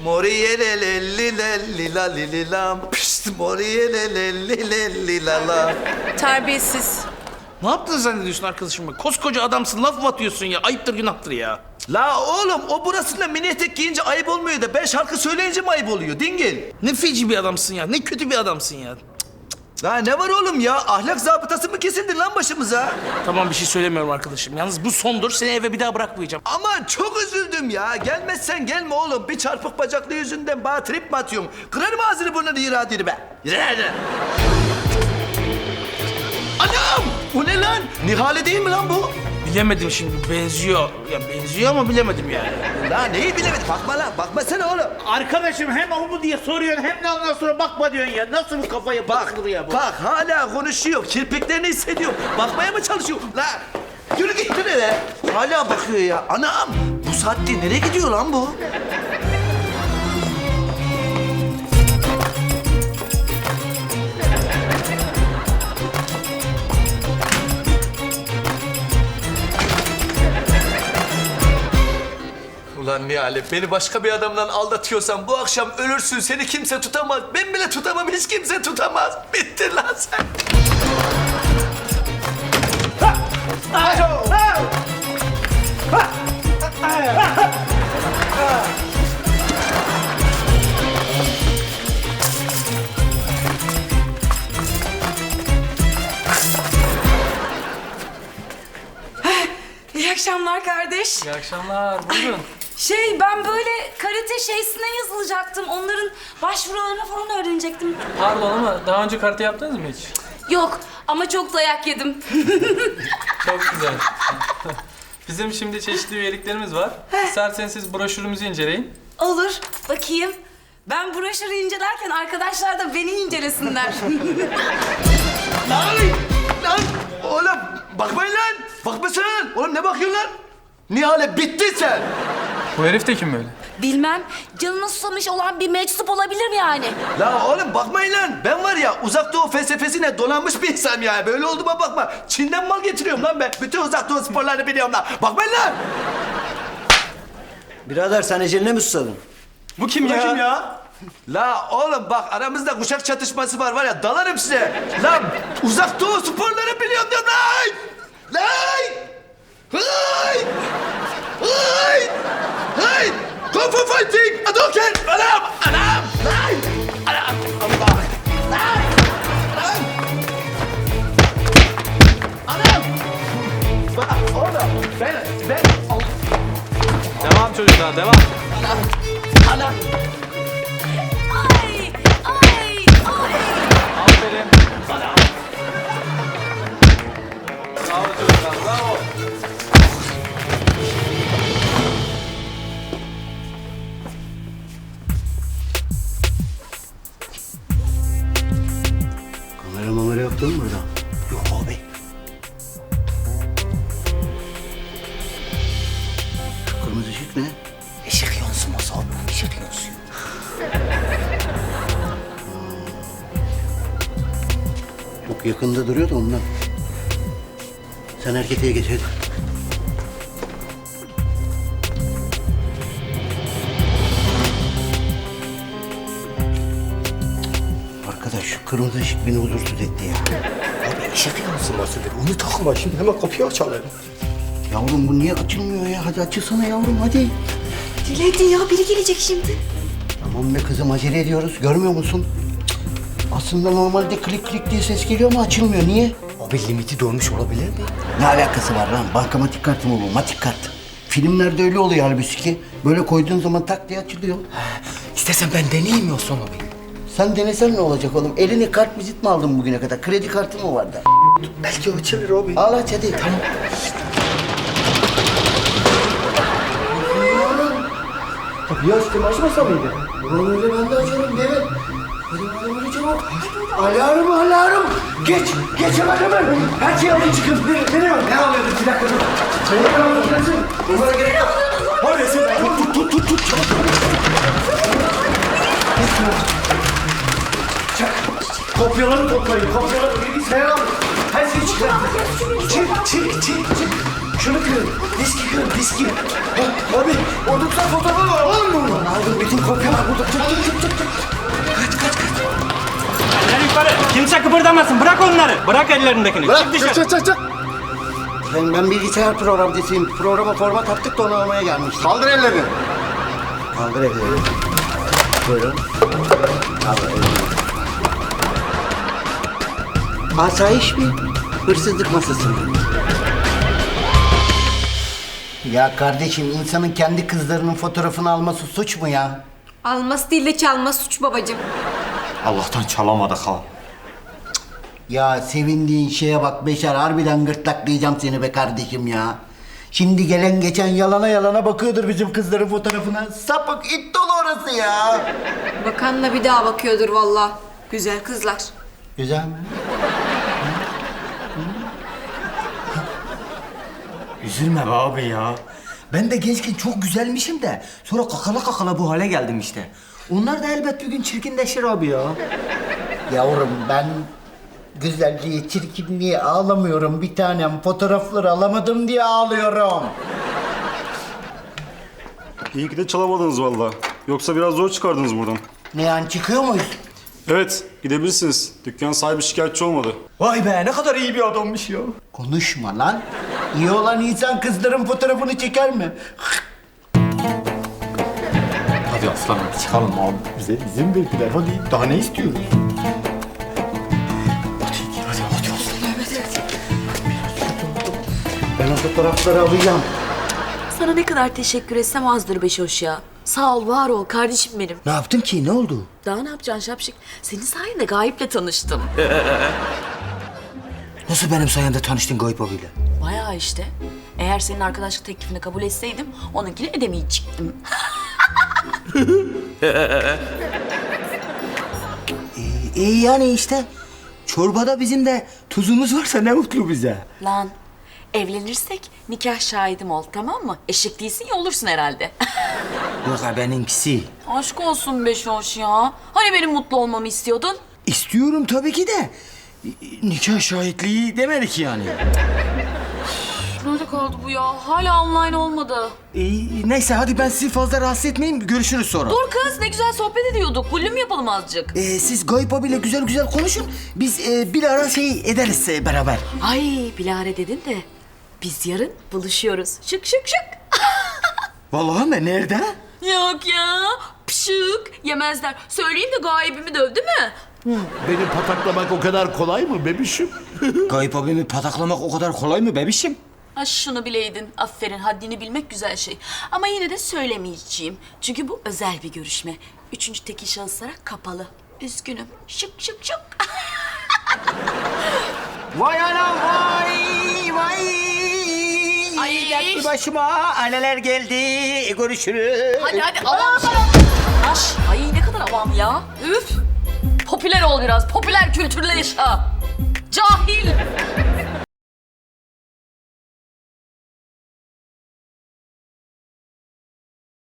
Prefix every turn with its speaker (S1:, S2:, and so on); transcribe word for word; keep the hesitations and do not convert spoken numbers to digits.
S1: Moriyelelelilellilam. Pişt moriyelelelilellilalam.
S2: Terbiyesiz.
S3: Ne yaptın zannediyorsun arkadaşım? Koskoca adamsın, laf mı atıyorsun ya? Ayıptır günahtır ya.
S1: La oğlum o burasında mini etek giyince ayıp olmuyor da ben şarkı söyleyince mi ayıp oluyor dingil?
S3: Ne feci bir adamsın ya, ne kötü bir adamsın ya.
S1: La ne var oğlum ya? Ahlak zabıtası mı kesildi lan başımıza?
S3: Tamam bir şey söylemiyorum arkadaşım. Yalnız bu sondur, seni eve bir daha bırakmayacağım.
S1: Aman çok üzüldüm ya. Gelmezsen gelme oğlum. Bir çarpık bacaklı yüzünden bana trip mi atıyorsun? Kırarım ağzını burnunu iradeni be. Yürü hadi. Anam! Bu ne lan? Nihale değil mi lan bu?
S3: Bilemedim şimdi, benziyor. Ya benziyor ama bilemedim yani.
S1: La neyi bilemedim? Bakma lan. Bakmasana oğlum.
S4: Arkadaşım hem o mu diye soruyorsun hem de ondan sonra bakma diyorsun ya. Nasıl bir kafaya
S1: Bak,
S4: bakılır ya bu?
S1: bak hala konuşuyor. Kirpiklerini hissediyor. Bakmaya mı çalışıyor? La yürü git nereye? Hala bakıyor ya. Anam! Bu saatte nereye gidiyor lan bu? Ulan Nihale, beni başka bir adamdan aldatıyorsan bu akşam ölürsün. Seni kimse tutamaz. Ben bile tutamam, hiç kimse tutamaz. Bittin lan sen.
S2: İyi akşamlar kardeş.
S5: İyi akşamlar, buyurun.
S2: Şey ben böyle karate şeysine yazılacaktım. Onların başvurularını falan öğrenecektim.
S5: Pardon ama daha önce karate yaptınız mı hiç?
S2: Yok ama çok dayak yedim.
S5: Çok güzel. Bizim şimdi çeşitli üyeliklerimiz var. İsterseniz siz broşürümüzü inceleyin.
S2: Olur bakayım. Ben broşürü incelerken arkadaşlar da beni incelesinler.
S1: Lan! Lan! Oğlum bakmayın lan! Bakmasana lan! Oğlum ne bakıyorsun lan? Nihale bittin sen!
S5: Bu herif de kim böyle?
S2: Bilmem canına susamış olan bir meczup olabilir mi yani?
S1: La oğlum bakmayın lan! Ben var ya uzak doğu felsefesine donanmış bir insanım ya. Böyle olduğuma bakma. Çin'den mal getiriyorum lan ben. Bütün uzak doğu sporlarını biliyorum lan. Bakmayın lan!
S6: Birader sen eceline mi susadın?
S1: Bu kim ya? Kim ya? La oğlum bak aramızda kuşak çatışması var var ya dalarım size. Lan uzak doğu sporları biliyorum diyorum lan! Lan! Hay! Hay! Hay! Kung Fu Fighting! Hadouken! Anam! Anam! Lan! Anam! Allah! Lan! Anam! Anam! Bak oğlum ben ben
S5: Devam çocuklar, devam.
S1: anam!
S2: Ay! Ay! Ay!
S5: Aferin. Bravo çocuklar, bravo.
S6: Kamera mamera yoktu mu burada?
S1: Yok abi.
S6: Şu kırmızı ışık ne?
S1: Işık yansıması abi. Işık yansıyor.
S6: Çok yakında duruyor da ondan. Sen erketeye geç hadi. Arkadaş şu kırmızı ışık beni huzursuz etti ya.
S1: Abi ışık yansıması dedi. Onu takma şimdi hemen kapıyı açalım.
S6: Yavrum bu niye açılmıyor ya? Hadi açılsana yavrum hadi.
S2: Acele edin ya biri gelecek şimdi.
S6: Tamam be kızım acele ediyoruz. Görmüyor musun? Cık. Aslında normalde klik klik diye ses geliyor ama açılmıyor. Niye?
S1: Abi limiti dolmuş olabilir mi?
S6: Ne alakası var lan? Bankamatik kartı mı bu? Matik kart. Filmlerde öyle oluyor halbuki. Böyle koyduğun zaman tak diye açılıyor.
S1: İstersen ben deneyeyim ya son abi.
S6: Sen denesen ne olacak oğlum? Eline kart vizit mi aldın bugüne kadar? Kredi kartı mı vardı?
S1: Belki açılır abi.
S6: Al aç hadi. Tamam.
S1: Kapıyı açtım açmasa mıydı?
S6: Ulan öyle ben de açarım değil mi? Hadi bakalım hadi çabuk. Alarm alarm. Geç. Geç hemen hemen. Her şeyi alın çıkın. Ne, ne, ne alıyordun? Bir dakika dur. Sayın alıyorsun. Bunlara gerek yok. Hadi sen tut tut tut tut. Çabuk. Kopyaları toplayın. Kopyaları bilgisayara alın. Her şeyi çıkarın. Çık çık çık çık. Şunu kırın. Diski kırın diski. Abi o tutsan fotoğrafı var. Alın bunu. Aldım bütün kopyalar burada. Çık çık çık çık. çık.
S7: Eller yukarı. Kimse kıpırdamasın. Bırak onları. Bırak ellerindekini.
S6: Bırak
S7: Çık dışarı.
S6: çık çık çık. Ben, ben bilgisayar programcısıyım. Programa format attık da onu almaya gelmiştim. Kaldır ellerini. Kaldır ellerini. Buyurun. Kaldır ellerini. Asayiş mi? Hırsızlık masası mı? Ya kardeşim insanın kendi kızlarının fotoğrafını alması suç mu ya?
S8: Alması değil de çalması suç babacığım.
S7: Allah'tan çalamadık ha.
S6: Ya sevindiğin şeye bak Beşer, harbiden gırtlaklayacağım seni be kardeşim ya. Şimdi gelen geçen yalana yalana bakıyordur bizim kızların fotoğrafına. Sapık it dolu orası ya.
S8: Bakanla bir daha bakıyordur vallahi. Güzel kızlar.
S6: Güzel mi?
S7: Üzülme be abi ya. Ben de gençken çok güzelmişim de sonra kakala kakala bu hale geldim işte. Onlar da elbet bir gün çirkinleşir abi ya.
S6: Yavrum ben güzelliğe, çirkinliğe ağlamıyorum bir tanem. Fotoğrafları alamadım diye ağlıyorum.
S9: İyi ki de çalamadınız valla. Yoksa biraz zor çıkardınız buradan.
S6: Ne yani çıkıyor muyuz?
S9: Evet, gidebilirsiniz. Dükkan sahibi şikayetçi olmadı.
S7: Vay be ne kadar iyi bir adammış ya.
S6: Konuşma lan. İyi olan insan kızların fotoğrafını çeker mi?
S7: Hadi aslanım çıkalım abi.
S6: Bize izin verdiler. Hadi daha ne istiyoruz? Ben o fotoğrafları alacağım.
S2: Sana ne kadar teşekkür etsem azdır Beşoş ya. Sağ ol, var ol kardeşim benim.
S6: Ne yaptım ki? Ne oldu?
S2: Daha ne yapacaksın Şapşik? Senin sayende Gayip'le tanıştım.
S6: Nasıl benim sayemde tanıştın Gayip abiyle?
S2: Bayağı işte. Eğer senin arkadaşlık teklifini kabul etseydim onunkini edemeyecektim.
S6: İyi yani işte. Çorbada bizim de tuzumuz varsa ne mutlu bize.
S2: Lan evlenirsek nikah şahidim ol, tamam mı? Eşek değilsin ya, olursun herhalde.
S6: Yok ha benimkisi.
S2: Aşk olsun Beşoş ya. Hani benim mutlu olmamı istiyordun?
S6: İstiyorum tabii ki de. Nikah şahitliği demedik yani.
S2: Nerede kaldı bu ya? Hala online olmadı.
S6: İyi, neyse hadi ben sizi fazla rahatsız etmeyeyim. Görüşürüz sonra.
S2: Dur kız, ne güzel sohbet ediyorduk. Bullüm yapalım azıcık.
S6: Ee, siz Gayip abiyle güzel güzel konuşun. Biz e, bir ara şey ederiz e, beraber.
S2: Ay bilare dedin de biz yarın buluşuyoruz. Şık şık şık.
S6: Vallahi mi? Nerede?
S2: Yok ya. Pşık. Yemezler. Söyleyeyim de gayibimi dövdü mü?
S1: Beni pataklamak o kadar kolay mı bebişim?
S6: Gayip abimi pataklamak o kadar kolay mı bebişim?
S2: Ha şunu bileydin. Aferin. Haddini bilmek güzel şey. Ama yine de söylemeyeceğim. Çünkü bu özel bir görüşme. Üçüncü tekil şahıslara kapalı. Üzgünüm. Şık şık şık.
S6: Vay anam vay vay.
S2: Ay.
S6: Dertli başıma anneler geldi. Görüşürüz.
S2: Hadi hadi avam. Aş. Ay ne kadar avam ya. Üf. Popüler ol biraz. Popüler kültürle yaşa. Cahil.